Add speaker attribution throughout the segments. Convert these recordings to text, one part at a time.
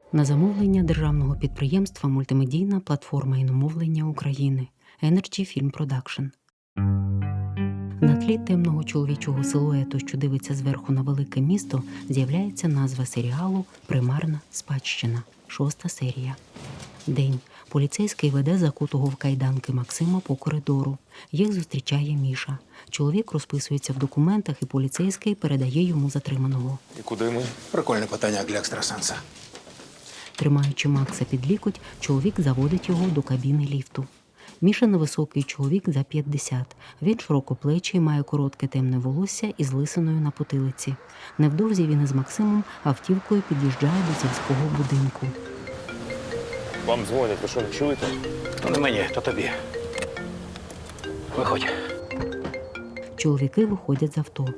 Speaker 1: На замовлення державного підприємства «Мультимедійна платформа іномовлення України» Energy Film Production. На тлі темного чоловічого силуету, що дивиться зверху на велике місто, з'являється назва серіалу «Примарна спадщина». 6-та серія. День. Поліцейський веде закутого в кайданки Максима по коридору. Їх зустрічає Міша. Чоловік розписується в документах, і поліцейський передає йому затриманого.
Speaker 2: І куди ми?
Speaker 3: Прикольне питання для екстрасенса.
Speaker 1: Тримаючи Макса під лікоть, чоловік заводить його до кабіни ліфту. Міша невисокий чоловік за 50. Він широкоплечий, має коротке темне волосся із лисиною на потилиці. Невдовзі він із Максимом автівкою під'їжджає до сільського будинку.
Speaker 2: Вам дзвонять, ви що, не чуєте?
Speaker 3: То не мені, то тобі. Виходь.
Speaker 1: Чоловіки виходять з авто.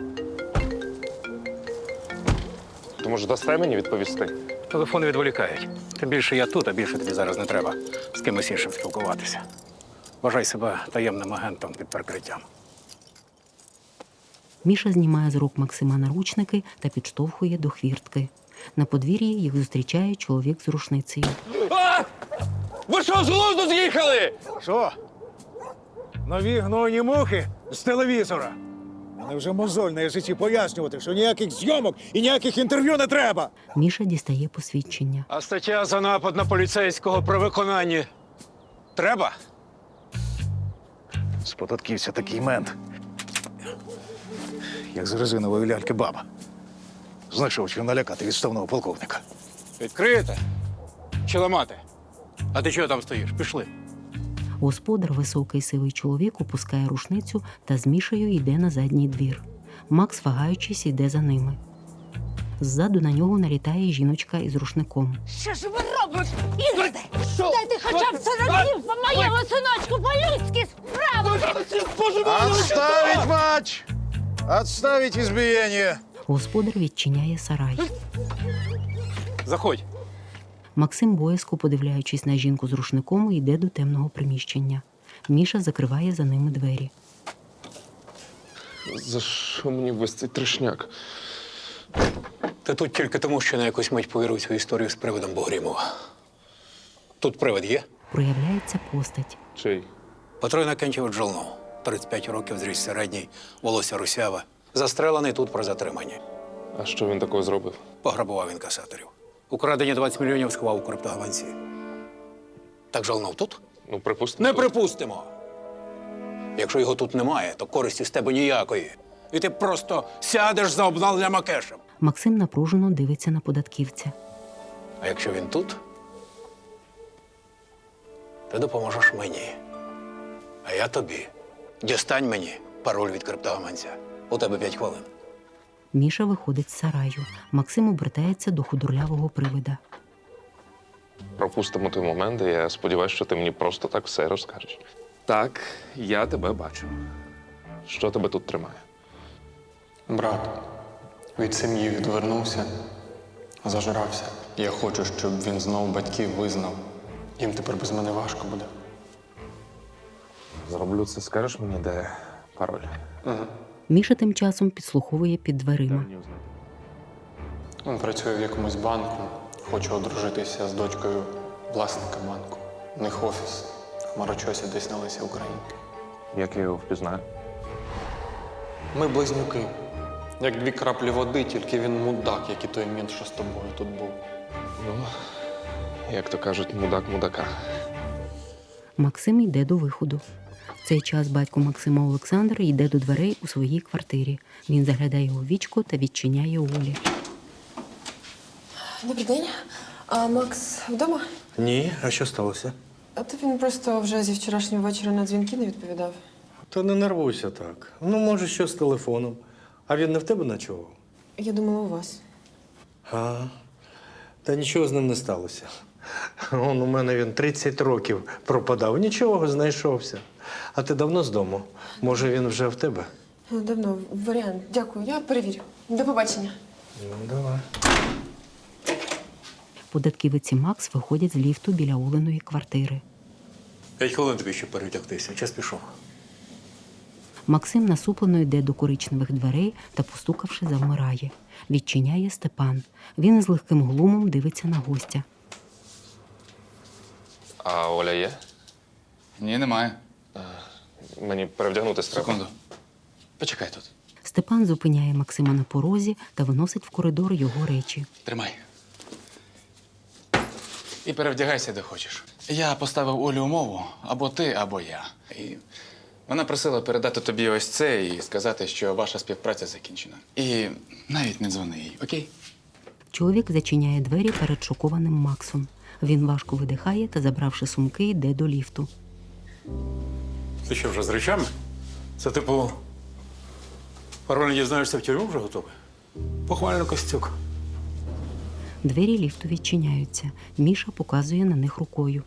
Speaker 2: То, може, дасте мені відповісти?
Speaker 3: Телефони відволікають. Тим більше я тут, а більше тобі зараз не треба з кимось іншим спілкуватися. Вважай себе таємним агентом під прикриттям.
Speaker 1: Міша знімає з рук Максима наручники та підштовхує до хвіртки. На подвір'ї їх зустрічає чоловік з рушницею.
Speaker 2: А! Ви що, з глузду з'їхали?
Speaker 4: Що? Нові гнойні мухи з телевізора. Мене вже мозоль на язиці пояснювати, що ніяких зйомок і ніяких інтерв'ю не треба.
Speaker 1: Міша дістає посвідчення.
Speaker 3: А стаття за напад на поліцейського при виконанні треба?
Speaker 4: З податківця такий мент. Як з резинової ляльки баба. Знайшов, чим налякати відставного полковника.
Speaker 3: Відкриєте? Чи ламати? А ти чого там стоїш? Пішли.
Speaker 1: Господар, високий сивий чоловік, опускає рушницю та з Мішею йде на задній двір. Макс, вагаючись, йде за ними. Ззаду на нього налітає жіночка із рушником.
Speaker 5: Що ж ви робите, Ігорде? Дайте хоча б 40 днів по моєму синочку, по-людськи справи!
Speaker 4: Отставить матч! Отставить избиение!
Speaker 1: Господар відчиняє сарай.
Speaker 3: Заходь.
Speaker 1: Максим, боязко подивляючись на жінку з рушником, йде до темного приміщення. Міша закриває за ними двері.
Speaker 2: За що мені весь цей трешняк?
Speaker 3: Ти тут тільки тому, що на якусь мить повірив цю історію з привидом Богрімова. Тут привид є?
Speaker 1: Проявляється постать.
Speaker 2: Чий?
Speaker 3: Патрой Накентів Джолнов. 35 років, зріст середній, волосся русяве. Застрелений тут про затримання.
Speaker 2: А що він такого зробив?
Speaker 3: Пограбував інкасаторів. Украдені 20 мільйонів сховав у криптогаванці. Так Жолнов тут?
Speaker 2: Ну, припустимо.
Speaker 3: Не припустимо. Якщо його тут немає, то користі з тебе ніякої. І ти просто сядеш за обналенням Акешем.
Speaker 1: Максим напружено дивиться на податківця.
Speaker 3: А якщо він тут, ти допоможеш мені. А я тобі. Дістань мені пароль від криптогаманця. У тебе 5 хвилин.
Speaker 1: Міша виходить з сараю. Максим обертається до худорлявого привида.
Speaker 2: Пропустимо той момент, і я сподіваюся, що ти мені просто так все розкажеш. Так, я тебе бачу. Що тебе тут тримає?
Speaker 6: Брат від сім'ї відвернувся, зажрався. Я хочу, щоб він знову батьків визнав. Їм тепер без мене важко буде.
Speaker 2: Зроблю це, скажеш мені, де пароль?
Speaker 1: Міша тим часом підслуховує під дверима.
Speaker 6: Він працює в якомусь банку, хоче одружитися з дочкою власника банку. У них офіс. В Хмарочосі десь на Лесі Українки.
Speaker 2: Як я його впізнаю?
Speaker 6: Ми близнюки. Як 2 краплі води, тільки він мудак, як і той мент, що з тобою тут був.
Speaker 2: Ну, як то кажуть, мудак мудака.
Speaker 1: Максим йде до виходу. В цей час батько Максима Олександр йде до дверей у своїй квартирі. Він заглядає у вічко та відчиняє Олі.
Speaker 7: Добрий день. А Макс вдома?
Speaker 8: Ні, а що сталося?
Speaker 7: А то він просто вже зі вчорашнього вечора на дзвінки не відповідав.
Speaker 8: Та не нервуйся так. Ну, може, що з телефоном. А він не в тебе ночував?
Speaker 7: Я думала, у вас.
Speaker 8: Та нічого з ним не сталося. Он у мене він 30 років пропадав. Нічого, знайшовся. А ти давно з дому? Може, він вже в тебе?
Speaker 7: Давно. Варіант. Дякую. Я перевірю. До побачення.
Speaker 8: Ну, давай.
Speaker 1: Податківець і Макс виходять з ліфту біля Оленої квартири.
Speaker 3: 5 хвилин тобі ще перетягтися. Час пішов.
Speaker 1: Максим насуплено йде до коричневих дверей та, постукавши, завмирає. Відчиняє Степан. Він з легким глумом дивиться на гостя.
Speaker 2: А Оля є?
Speaker 9: Ні, немає.
Speaker 2: Мені перевдягнутися треба.
Speaker 9: Секунду. Почекай тут.
Speaker 1: Степан зупиняє Максима на порозі та виносить в коридор його речі.
Speaker 9: Тримай. І перевдягайся, де хочеш. Я поставив Олі умову або ти, або я. І вона просила передати тобі ось це і сказати, що ваша співпраця закінчена. І навіть не дзвони їй, окей?
Speaker 1: Чоловік зачиняє двері перед шокованим Максом. Він важко видихає та, забравши сумки, йде до ліфту.
Speaker 3: Ти що, вже з речами? Це типу. Пароль дізнаєшся в тюрму вже готовий? Похвально, Костюк.
Speaker 1: Двері ліфту відчиняються. Міша показує на них рукою.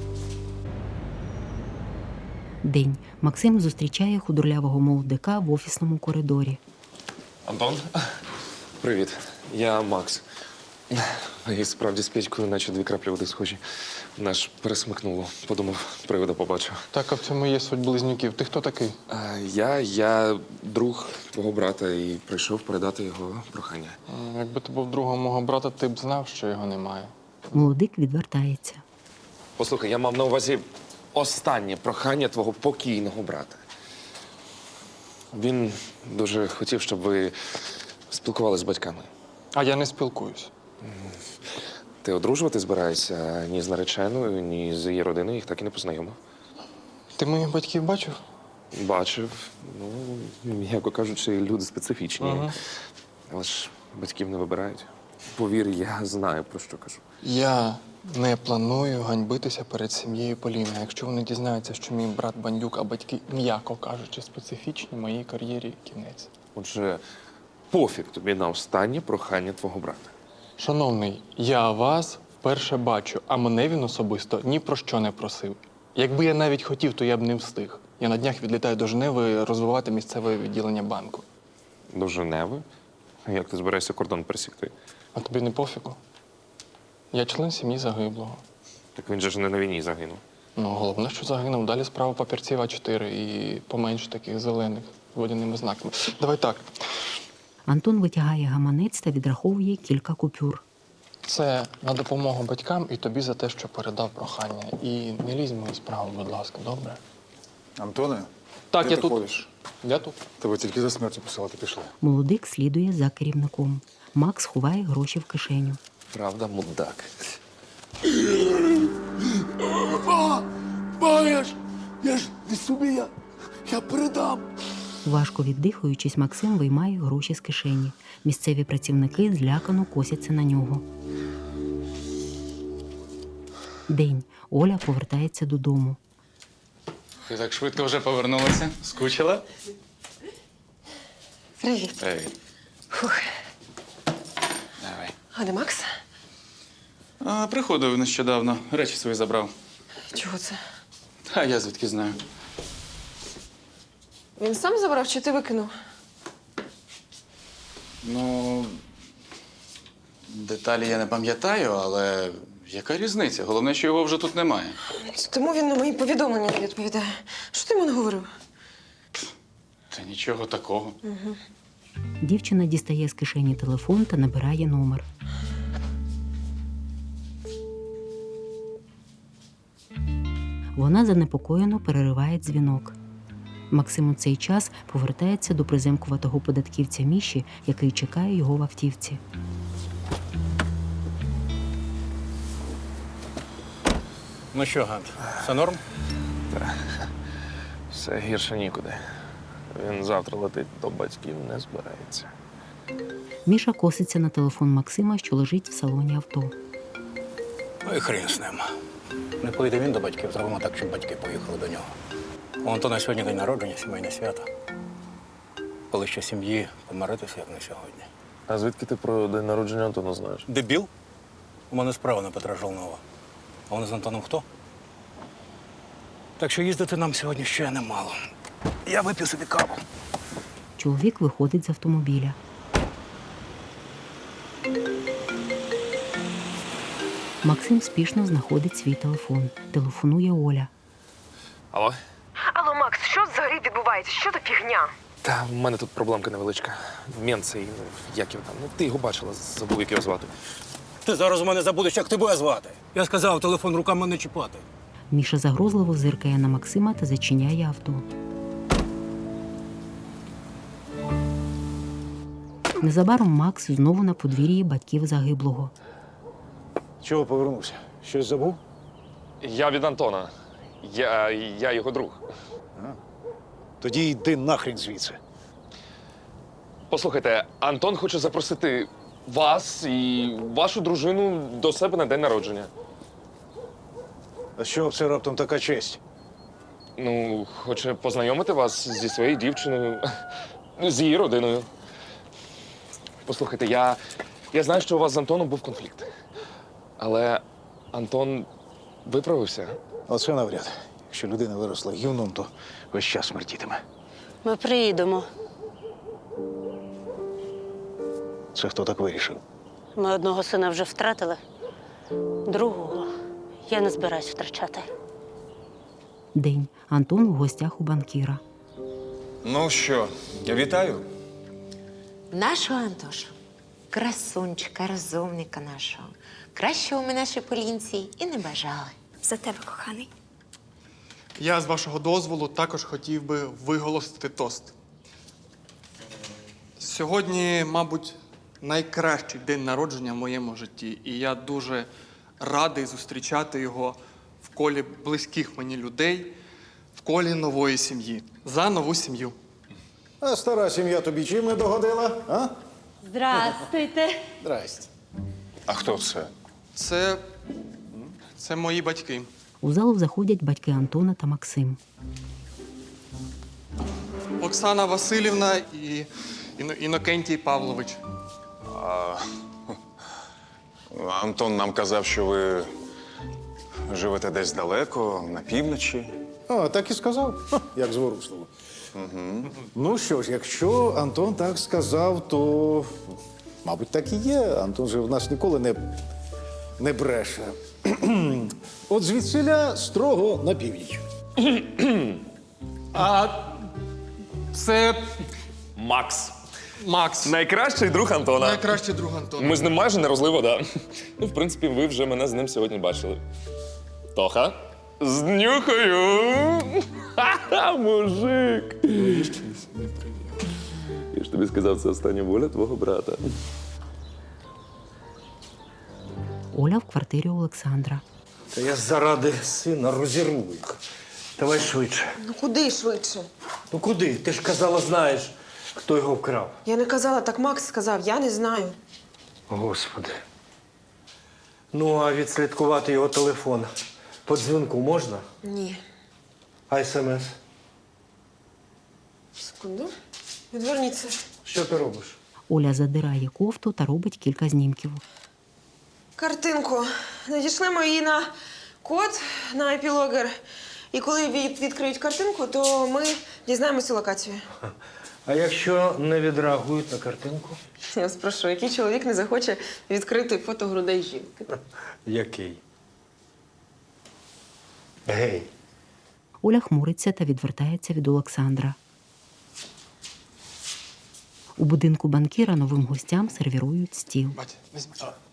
Speaker 1: День. Максим зустрічає худорлявого молодика в офісному коридорі.
Speaker 2: Антон? Привіт. Я Макс. І справді з Петькою, наче 2 краплі води схожі. Наш пересмикнуло. Подумав, привида побачив.
Speaker 6: Так, а в цьому є суть близнюків. Ти хто такий?
Speaker 2: Я друг твого брата і прийшов передати його прохання.
Speaker 6: Якби ти був другом мого брата, ти б знав, що його немає.
Speaker 1: Молодик відвертається.
Speaker 2: Послухай, я мав на увазі останнє прохання твого покійного брата. Він дуже хотів, щоб ви спілкувалися з батьками.
Speaker 6: А я не спілкуюсь.
Speaker 2: Ти одружувати збираєшся ні з нареченою, ні з її родиною, їх так і не познайомив.
Speaker 6: Ти моїх батьків бачив?
Speaker 2: Бачив. Ну, м'яко кажучи, люди специфічні. Але ж батьків не вибирають. Повір, я знаю, про що кажу.
Speaker 6: Я не планую ганьбитися перед сім'єю Поліни. Якщо вони дізнаються, що мій брат бандюк, а батьки, м'яко кажучи, специфічні, моїй кар'єрі кінець.
Speaker 2: Отже, пофіг тобі на останнє прохання твого брата.
Speaker 6: Шановний, я вас вперше бачу, а мене він особисто ні про що не просив. Якби я навіть хотів, то я б не встиг. Я на днях відлітаю до Женеви розвивати місцеве відділення банку.
Speaker 2: До Женеви? Як ти збираєшся кордон пересікти?
Speaker 6: А тобі не пофігу? Я член сім'ї загиблого.
Speaker 2: Так він же ж не на війні загинув.
Speaker 6: Ну, головне, що загинув. Далі справа папірців А4 і поменше таких зелених з водяними знаками. Давай так.
Speaker 1: Антон витягає гаманець та відраховує кілька купюр.
Speaker 6: Це на допомогу батькам і тобі за те, що передав прохання. І не лізь в мою справу, будь ласка, добре?
Speaker 4: Антоне,
Speaker 6: Так,
Speaker 4: ти
Speaker 6: я
Speaker 4: так
Speaker 6: тут.
Speaker 4: ходиш?
Speaker 6: Я тут.
Speaker 4: Тебе тільки за смертю посилати пішли.
Speaker 1: Молодик слідує за керівником. Макс ховає гроші в кишеню.
Speaker 2: Правда, мудак.
Speaker 10: Я ж не собі, я передам.
Speaker 1: Важко віддихаючись, Максим виймає гроші з кишені. Місцеві працівники злякано косяться на нього. День. Оля повертається додому.
Speaker 9: Ти так швидко вже повернулася? Скучила?
Speaker 7: Привіт.
Speaker 9: Привіт.
Speaker 7: Фух.
Speaker 9: Давай.
Speaker 7: А де Макс?
Speaker 9: Приходив нещодавно. Речі свої забрав.
Speaker 7: Чого це?
Speaker 9: А я звідки знаю?
Speaker 7: Він сам забрав чи ти викинув?
Speaker 9: Ну, деталі я не пам'ятаю, але яка різниця? Головне, що його вже тут немає.
Speaker 7: Тому він на мої повідомлення не відповідає. Що ти йому наговорив?
Speaker 9: Та нічого такого.
Speaker 1: Дівчина дістає з кишені телефон та набирає номер. Вона занепокоєно перериває дзвінок. Максим у цей час повертається до приземкуватого податківця Міші, який чекає його в автівці.
Speaker 3: Ну що, Гант, все норм?
Speaker 2: Все гірше нікуди. Він завтра летить до батьків, не збирається.
Speaker 1: Міша коситься на телефон Максима, що лежить в салоні авто.
Speaker 3: Ну і хрін з ним. Не поїде він до батьків, зробимо так, щоб батьки поїхали до нього. У Антона сьогодні день народження, сімейне свято. Коли ще сім'ї помиритися, як на сьогодні.
Speaker 2: А звідки ти про день народження Антона знаєш?
Speaker 3: Дебіл? У мене справа на Петра Жолнова. А вони з Антоном хто? Так що їздити нам сьогодні ще немало. Я вип'ю собі каву.
Speaker 1: Чоловік виходить з автомобіля. Максим спішно знаходить свій телефон. Телефонує Оля.
Speaker 2: Алло?
Speaker 7: Алло, Макс, що взагалі відбувається? відбувається? Що за фігня?
Speaker 2: Та в мене тут проблемка невеличка. Мент цей, ну, як його там. Ну, ти його бачила, забув, як його звати.
Speaker 3: Ти зараз у мене забудеш, як тебе звати. Я сказав, телефон руками не чіпати.
Speaker 1: Міша загрозливо зиркає на Максима та зачиняє авто. Незабаром Макс знову на подвір'ї батьків загиблого.
Speaker 4: Чого повернувся? Щось забув?
Speaker 2: Я від Антона. Я його друг.
Speaker 4: Тоді йди нахрін звідси.
Speaker 2: Послухайте, Антон хоче запросити вас і вашу дружину до себе на день народження.
Speaker 4: А що це раптом така честь?
Speaker 2: Ну, хоче познайомити вас зі своєю дівчиною, з її родиною. Послухайте, я знаю, що у вас з Антоном був конфлікт. Але Антон виправився.
Speaker 4: Оце навряд. Якщо людина виросла гівном, то весь час смертітиме.
Speaker 5: Ми приїдемо.
Speaker 4: Це хто так вирішив?
Speaker 5: Ми одного сина вже втратили, другого я не збираюсь втрачати.
Speaker 1: День. Антон у гостях у банкіра.
Speaker 11: Ну що, вітаю.
Speaker 12: Нашого Антошу, красунчика, розумника нашого. Кращого ми нашій Полінці і не бажали.
Speaker 7: За тебе, коханий.
Speaker 6: Я, з вашого дозволу, також хотів би виголосити тост. Сьогодні, мабуть, найкращий день народження в моєму житті. І я дуже радий зустрічати його в колі близьких мені людей, в колі нової сім'ї. За нову сім'ю.
Speaker 4: А стара сім'я тобі чим не догодила, а?
Speaker 5: Здрастуйте.
Speaker 4: Здрасте.
Speaker 11: А хто це?
Speaker 6: Це мої батьки.
Speaker 1: У залу заходять батьки Антона та Максим.
Speaker 6: Оксана Васильівна і Інокентій Павлович.
Speaker 11: Антон нам казав, що ви живете десь далеко, на півночі.
Speaker 4: А, так і сказав. Ха, як зворушливо. Ну що ж, якщо Антон так сказав, то, мабуть, так і є. Антон же в нас ніколи не бреше. От звідсиля строго на північ.
Speaker 6: А це
Speaker 2: Макс. Найкращий друг Антона.
Speaker 6: найкращий друг Антона.
Speaker 2: Ми з ним майже не розлив вода. Ну, в принципі, ви вже мене з ним сьогодні бачили. Тоха? Знюхаю! Ха-ха, мужик! Я ж тобі сказав, це остання воля твого брата.
Speaker 1: Оля в квартирі Олександра.
Speaker 8: Та я заради сина розірву їх. Давай швидше.
Speaker 7: Ну куди швидше?
Speaker 8: Ну куди? Ти ж казала, знаєш, хто його вкрав.
Speaker 7: Я не казала, так Макс сказав, я не знаю.
Speaker 8: Господи. Ну, а відслідкувати його телефон по дзвінку можна?
Speaker 7: Ні.
Speaker 8: А смс?
Speaker 7: Секунду. Відверніться.
Speaker 8: Що ти робиш?
Speaker 1: Оля задирає кофту та робить кілька знімків.
Speaker 7: Картинку. Надішлемо її на код на епілогер. І коли відкриють картинку, то ми дізнаємося локацію.
Speaker 8: А якщо не відреагують на картинку?
Speaker 7: Я вас прошу, який чоловік не захоче відкрити фото грудей жінки?
Speaker 8: Який? Гей.
Speaker 1: Оля хмуриться та відвертається від Олександра. У будинку банкіра новим гостям сервірують стіл.
Speaker 6: Батя, візьми.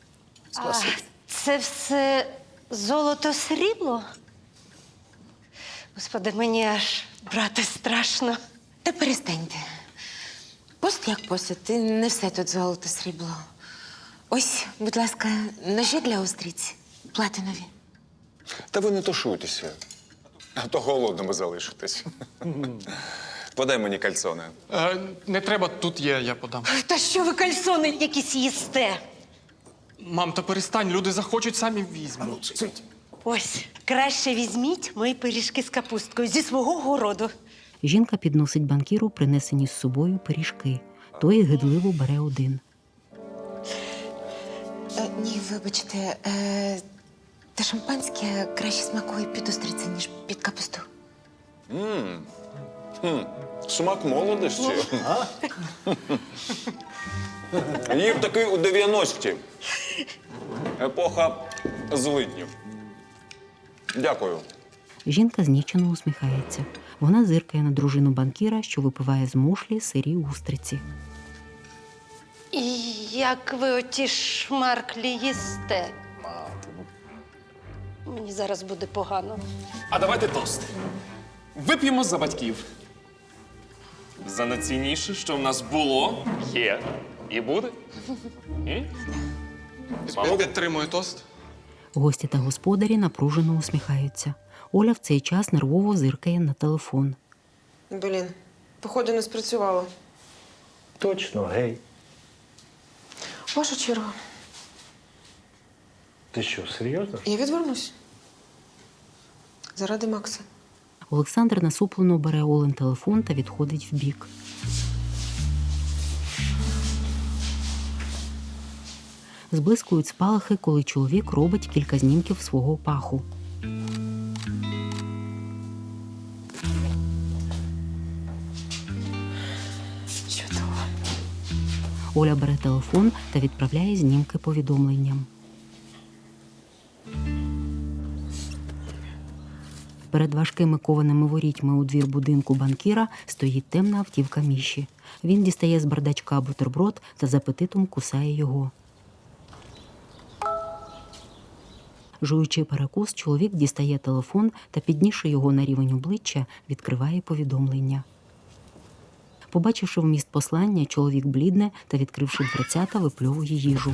Speaker 5: Це все золото-срібло? Господи, мені аж брати страшно.
Speaker 12: Та перестаньте. Пост як пост, і не все тут золото срібло. Ось, будь ласка, ножі для устриць. Платинові.
Speaker 11: Та ви не тушуйтеся, а то голодними залишитесь. Подай мені кальцони.
Speaker 6: Не треба, тут є, я подам.
Speaker 5: Та що ви кальсони якісь їсте?
Speaker 6: Мам, та перестань, люди захочуть, самі візьмуть.
Speaker 5: Ось, краще візьміть мої пиріжки з капусткою зі свого городу.
Speaker 1: Жінка підносить банкіру принесені з собою пиріжки. Той гидливо бере один.
Speaker 12: Ні, вибачте, та шампанське краще смакує під устриці, ніж під капусту.
Speaker 11: Смак молодості. Їв такий у 90-ті. Епоха злиднів. Дякую.
Speaker 1: Жінка знічено усміхається. Вона зиркає на дружину банкіра, що випиває з мушлі сирі устриці.
Speaker 5: І як ви оті шмарклі їсте? Мені зараз буде погано.
Speaker 2: А давайте тост. Вип'ємо за батьків. За найцінніше, що в нас було, є і буде.
Speaker 6: Підтримую тост.
Speaker 1: Гості та господарі напружено усміхаються. Оля в цей час нервово зиркає на телефон.
Speaker 7: Блін, походу не спрацювало.
Speaker 8: Точно, гей.
Speaker 7: Ваша черга.
Speaker 8: Ти що, серйозно?
Speaker 7: Я відвернусь. Заради Макса.
Speaker 1: Олександр насуплено бере Олен телефон та відходить вбік. Зблискують спалахи, коли чоловік робить кілька знімків свого паху.
Speaker 7: Чудово.
Speaker 1: Оля бере телефон та відправляє знімки повідомленням. Перед важкими кованими ворітьми у двір будинку банкіра стоїть темна автівка Міші. Він дістає з бардачка бутерброд та з апетитом кусає його. Жуючи перекус, чоловік дістає телефон та, піднісши його на рівень обличчя, відкриває повідомлення. Побачивши вміст послання, чоловік блідне та, відкривши дверцята, випльовує їжу.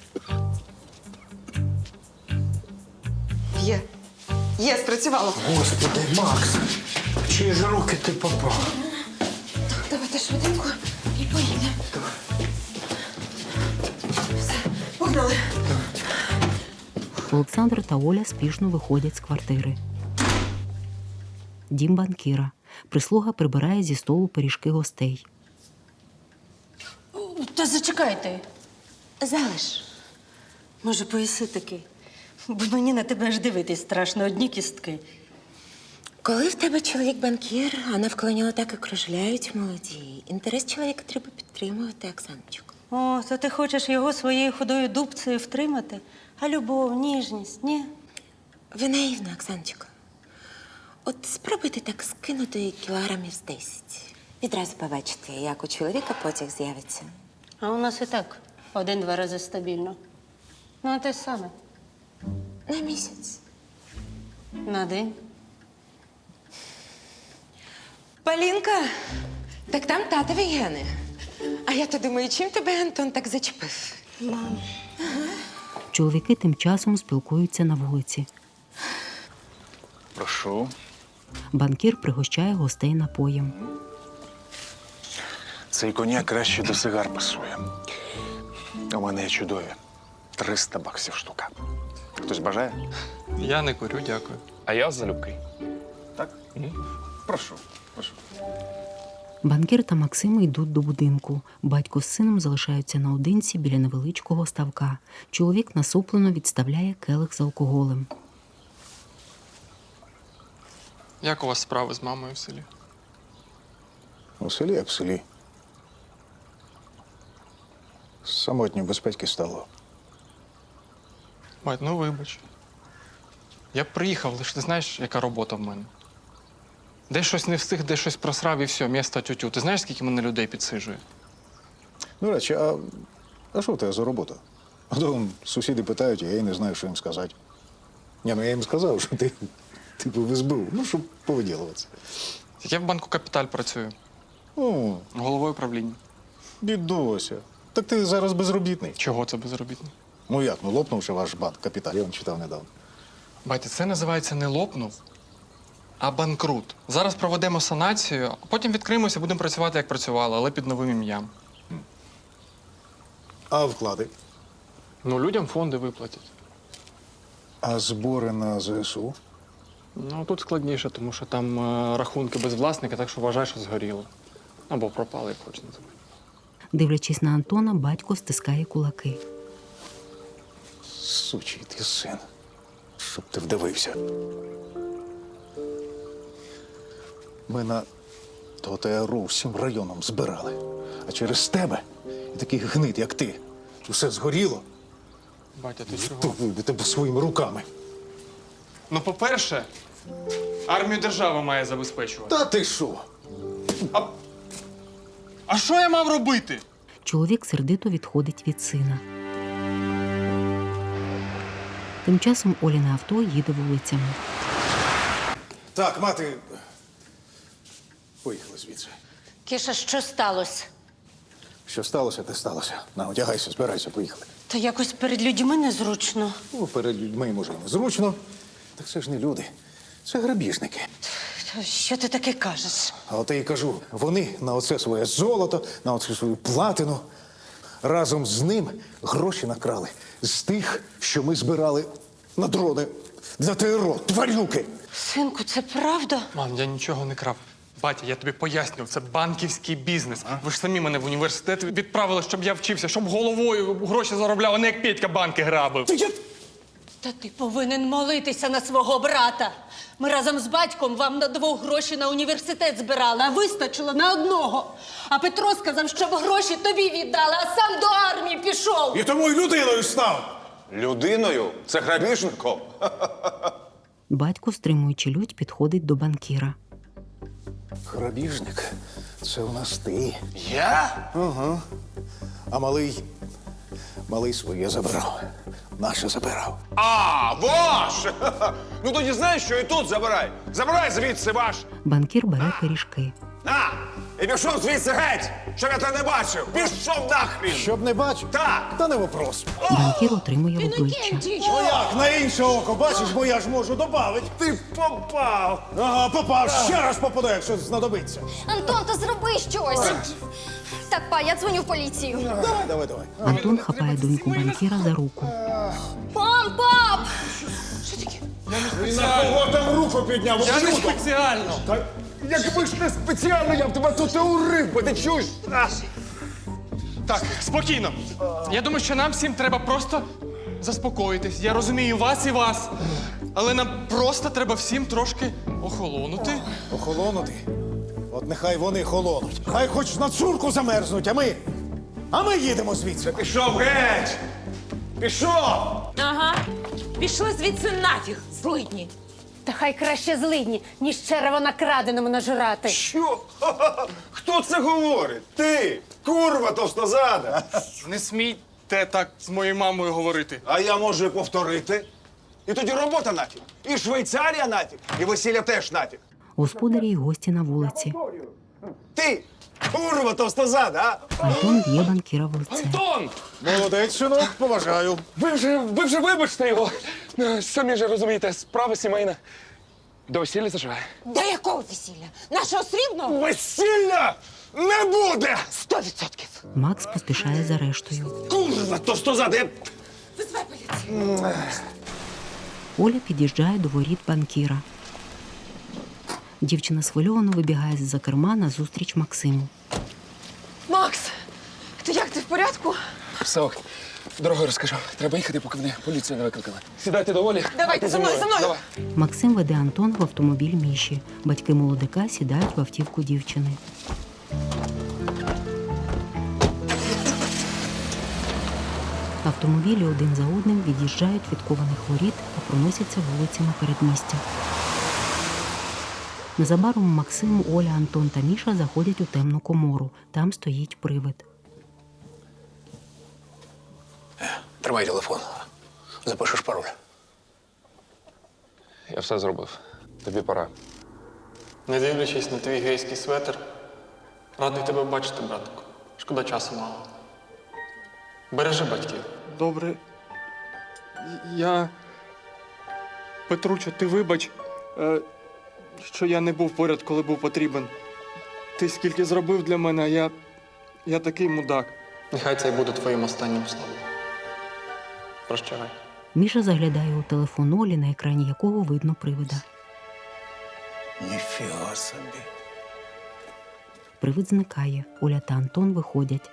Speaker 7: Є. Є, спрацювало.
Speaker 8: Господи, Макс, в чиї ж руки ти попав?
Speaker 7: Давайте швиденько і поїдемо. Все, погнали.
Speaker 1: Олександр та Оля спішно виходять з квартири. Дім банкіра. Прислуга прибирає зі столу пиріжки гостей.
Speaker 5: Та зачекайте.
Speaker 12: Залиш.
Speaker 5: Може, поїси таки? Бо мені на тебе аж дивитись страшно, одні кістки.
Speaker 12: Коли в тебе чоловік банкір, а навколо нього так і кружляють молоді. Інтерес чоловіка треба підтримувати, Оксаночко.
Speaker 5: О, то ти хочеш його своєю худою дубцею втримати? А любов, ніжність, ні?
Speaker 12: Ви наївна, Оксаночко. От спробуйте так скинути кілограмів з 10. Відразу побачите, як у чоловіка потяг з'явиться.
Speaker 5: А у нас і так 1-2 рази стабільно. Ну, а те саме.
Speaker 12: На місяць.
Speaker 5: На день.
Speaker 12: Полінка, так там татові гени. А я то думаю, чим тебе Антон так зачепив?
Speaker 5: Мам.
Speaker 1: Чоловіки тим часом спілкуються на вулиці.
Speaker 11: Прошу.
Speaker 1: Банкір пригощає гостей напоєм.
Speaker 11: Цей коньяк краще до сигар пасує. У мене є чудові. 300 баксів штука. Хтось бажає?
Speaker 6: Я не курю, дякую.
Speaker 2: А я залюбки.
Speaker 11: Так? Прошу, прошу.
Speaker 1: Банкір та Максим йдуть до будинку. Батько з сином залишаються наодинці біля невеличкого ставка. Чоловік насуплено відставляє келих з алкоголем.
Speaker 6: Як у вас справи з мамою в селі?
Speaker 4: У селі як в селі. Самотньо без батьки стало.
Speaker 6: Мать, ну вибач. Я б приїхав, лише ти знаєш, яка робота в мене. Де щось не встиг, де щось просрав і все, місто тютю. Ти знаєш, скільки мене людей підсиджує?
Speaker 4: До речі, а що в тебе за робота? А то сусіди питають, а я й не знаю, що їм сказати. Ні, ну я їм сказав, що ти типу в СБУ, ну, щоб повиділуватися.
Speaker 6: Я в банку «Капіталь» працюю.
Speaker 4: О,
Speaker 6: Головою правління.
Speaker 4: дідуся. Так ти зараз безробітний.
Speaker 6: Чого це безробітний?
Speaker 4: Ну як, ну лопнувши ваш банк «Капіталь», я вам читав недавно.
Speaker 6: Батя, це називається не лопнув, а банкрут. Зараз проведемо санацію, а потім відкриємося, будемо працювати, як працювали, але під новим ім'ям.
Speaker 4: А вклади?
Speaker 6: Ну, людям фонди виплатять.
Speaker 4: А збори на ЗСУ?
Speaker 6: Ну, тут складніше, тому що там рахунки без власника, так що вважай, що згоріло. Або пропали, як хочеш називати.
Speaker 1: Дивлячись на Антона, батько стискає кулаки.
Speaker 4: Сучий ти син. Щоб ти вдивився. Ми на ТОТРУ всім районом збирали. А через тебе і таких гнид, як ти, усе згоріло.
Speaker 6: Батя, ти чого?
Speaker 4: То вибити тебе своїми руками.
Speaker 6: Ну, по-перше, Армію держава має забезпечувати.
Speaker 4: Та ти що?
Speaker 6: А що я мав робити?
Speaker 1: Чоловік сердито відходить від сина. Тим часом Оліне авто їде вулицями.
Speaker 4: Так, мати. Поїхали звідси.
Speaker 5: Кіша, що сталося?
Speaker 4: Що сталося, те сталося. На, одягайся, збирайся, поїхали.
Speaker 5: Та якось перед людьми незручно.
Speaker 4: Ну, перед людьми, може, і незручно. Так це ж не люди. Це грабіжники.
Speaker 5: Та що ти таке кажеш?
Speaker 4: А от я і кажу, вони на оце своє золото, на оце свою платину, разом з ним гроші накрали. З тих, що ми збирали на дрони для ТРО, тварюки.
Speaker 5: Синку, це правда?
Speaker 6: Мам, я нічого не крав. Батя, я тобі пояснював, це банківський бізнес. Ви ж самі мене в університет відправили, щоб я вчився, щоб головою гроші заробляв, а не як Петька банки грабив.
Speaker 5: Та ти повинен молитися на свого брата. Ми разом з батьком вам на 2 гроші на університет збирали, а вистачило на 1. А Петро сказав, щоб гроші тобі віддали, а сам до армії пішов.
Speaker 4: І тому й людиною став.
Speaker 11: Людиною? Це грабіжником?
Speaker 1: Батько, стримуючи лють, підходить до банкіра.
Speaker 4: Грабіжник, це у нас ти.
Speaker 11: Я?
Speaker 4: Ага. А малий своє забирав. Наше забирав.
Speaker 11: А, ваш! Ну тоді знаєш, що і тут забирай. Забирай звідси ваш.
Speaker 1: Банкір бере пиріжки.
Speaker 11: На! І пішов звідси геть, щоб я тебе не бачив. Пішов нахрін!
Speaker 4: Щоб не бачив?
Speaker 11: Так!
Speaker 4: Та не вопрос.
Speaker 1: Банкір отримує в обличчя.
Speaker 4: Ну як, на інше око, бачиш, бо я ж можу добавити.
Speaker 11: Ти попав!
Speaker 4: Ага, попав, ще раз попаду, якщо знадобиться.
Speaker 13: Антон, та зроби щось. Так, па, я дзвоню в поліцію.
Speaker 4: Давай.
Speaker 1: Антон хапає доньку банкіра за руку.
Speaker 13: Мам, пап!
Speaker 4: І на кого там руку підняв?
Speaker 6: Я не спеціально.
Speaker 11: Та якби ж не спеціально, я б тебе тут і урив, бо ти чуєш?
Speaker 6: Так, спокійно. Я думаю, що нам всім треба просто заспокоїтись. Я розумію вас і вас. Але нам просто треба всім трошки охолонути.
Speaker 4: Охолонути? От нехай вони холонуть. Хай хоч на цурку замерзнуть, а ми їдемо звідси.
Speaker 11: Пішов геть! Пішов!
Speaker 12: Ага. Пішли звідси нафіг, злидні.
Speaker 5: Та хай краще злидні, ніж черево на краденому нажирати.
Speaker 11: Що? Хто це говорить? Ти, курва товстозада.
Speaker 6: Не смійте так з моєю мамою говорити.
Speaker 11: А я можу і повторити. І тоді робота нафіг. І Швейцарія нафіг. І весілля теж нафіг.
Speaker 1: Господарі й гості на вулиці.
Speaker 11: Ти, курва товстозада, а?
Speaker 1: Антон б'є банкіра в лице.
Speaker 2: Антон!
Speaker 4: Молодець, синок, поважаю.
Speaker 2: Ви вже вибачте його. Самі ж розумієте, справа сімейна. До весілля заживе.
Speaker 12: До якого весілля? Нашого срібного?
Speaker 11: Весілля не буде!
Speaker 12: 100%.
Speaker 1: Макс поспішає за рештою.
Speaker 11: Курва товстозада, я...
Speaker 12: Визвай поліцію.
Speaker 1: Оля під'їжджає до воріт банкіра. Дівчина схвильовано вибігає з-за керма назустріч Максиму.
Speaker 7: Макс, як ти в порядку?
Speaker 2: Все ок. Дорогою розкажу. Треба їхати, поки мене поліція не викликала. Сідайте до Олі.
Speaker 7: Давайте, за мною.
Speaker 2: Давай.
Speaker 1: Максим веде Антон в автомобіль Міші. Батьки молодика сідають в автівку дівчини. Автомобілі один за одним від'їжджають від кованих воріт та проносяться вулицями передмістя. Незабаром Максим, Оля, Антон та Міша заходять у темну комору. Там стоїть привид.
Speaker 3: Тримай телефон. Запишеш пароль.
Speaker 2: Я все зробив. Тобі пора.
Speaker 6: Не дивлячись на твій гейський светр, радий тебе бачити, братику. Шкода, часу мало. Бережи батьків. Добре. Я... Петручо, ти вибач, що я не був поряд, коли був потрібен. Ти скільки зробив для мене, а я такий мудак. Нехай це й буде твоїм останнім словом. Прощавай.
Speaker 1: Міша заглядає у телефон Олі, на екрані якого видно привида.
Speaker 3: Ніфіга собі.
Speaker 1: Привид зникає. Оля та Антон виходять.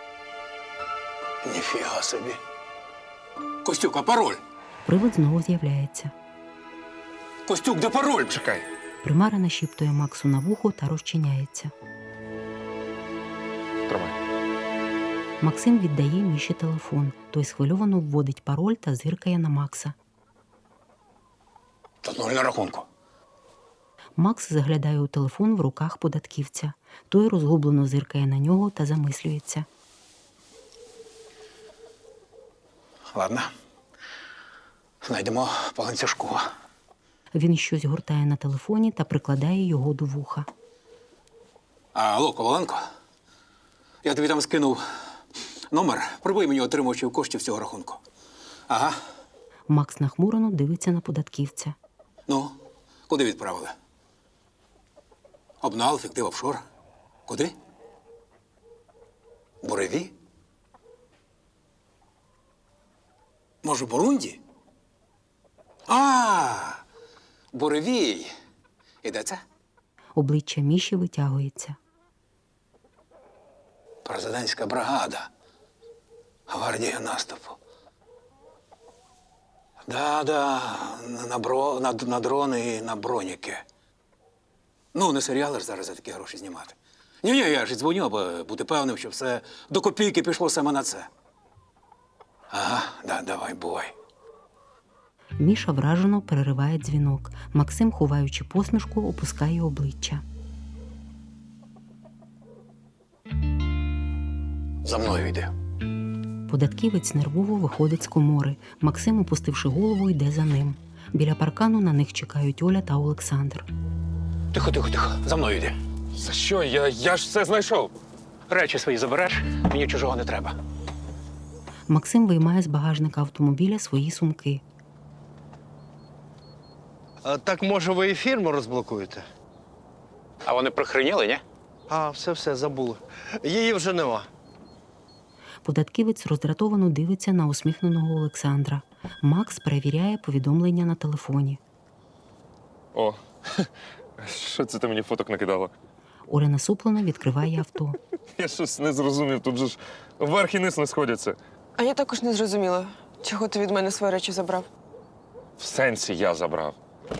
Speaker 3: Ніфіга собі. Костюк, а пароль?
Speaker 1: Привид знову з'являється.
Speaker 3: Костюк, де пароль?
Speaker 11: Чекай.
Speaker 1: Примара нашіптує Максу на вухо та розчиняється.
Speaker 2: Тримай.
Speaker 1: Максим віддає Міші телефон. Той схвильовано вводить пароль та зиркає на Макса.
Speaker 3: Тут нуль на рахунку.
Speaker 1: Макс заглядає у телефон в руках податківця. Той розгублено зиркає на нього та замислюється.
Speaker 3: Ладно. Знайдемо по ланцюжку.
Speaker 1: Він щось гортає на телефоні та прикладає його до вуха.
Speaker 3: Алло, Коваленко? Я тобі там скинув номер. Прибий мені отримувачів коштів цього рахунку. Ага.
Speaker 1: Макс нахмурено дивиться на податківця.
Speaker 3: Ну, куди відправили? Обнал, фіктив, офшор. Куди? Буреві? Може, Бурунді? Буревій. І де це?
Speaker 1: Обличчя Міші витягується.
Speaker 3: Президентська бригада. Гвардія наступу. Да, на дрони і на броніки. Ну, не серіали ж зараз за такі гроші знімати. Ні, я ж дзвоню, аби бути певним, що все до копійки пішло саме на це. Ага, давай, бувай.
Speaker 1: Міша вражено перериває дзвінок. Максим, ховаючи посмішку, опускає обличчя.
Speaker 3: За мною йди.
Speaker 1: Податківець нервово виходить з комори. Максим, опустивши голову, йде за ним. Біля паркану на них чекають Оля та Олександр.
Speaker 3: Тихо. За мною йди.
Speaker 2: За що? Я ж все знайшов.
Speaker 3: Речі свої забереш, мені чужого не треба.
Speaker 1: Максим виймає з багажника автомобіля свої сумки.
Speaker 8: Так, може, ви і фірму розблокуєте?
Speaker 3: А вони прихреніли, ні?
Speaker 8: Все, забули. Її вже нема.
Speaker 1: Податківець роздратовано дивиться на усміхненого Олександра. Макс перевіряє повідомлення на телефоні.
Speaker 2: О, що це ти мені фоток накидала?
Speaker 1: Оля насуплено відкриває авто.
Speaker 2: Я щось не зрозумів, тут же ж верх і низ не сходяться.
Speaker 7: А я також не зрозуміла, чого ти від мене свої речі забрав.
Speaker 2: В сенсі я забрав.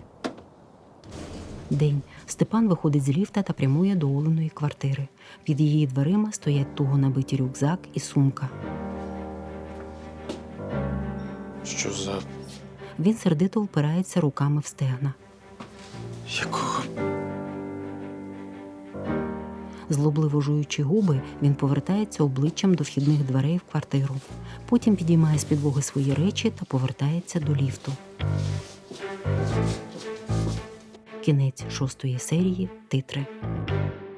Speaker 1: День. Степан виходить з ліфта та прямує до Оленої квартири. Під її дверима стоять туго набиті рюкзак і сумка.
Speaker 2: Що за...
Speaker 1: Він сердито впирається руками в стегна.
Speaker 2: Якого...
Speaker 1: Злобливо жуючи губи, він повертається обличчям до вхідних дверей в квартиру. Потім підіймає з підлоги свої речі та повертається до ліфту. Кінець 6-ї серії. Титри.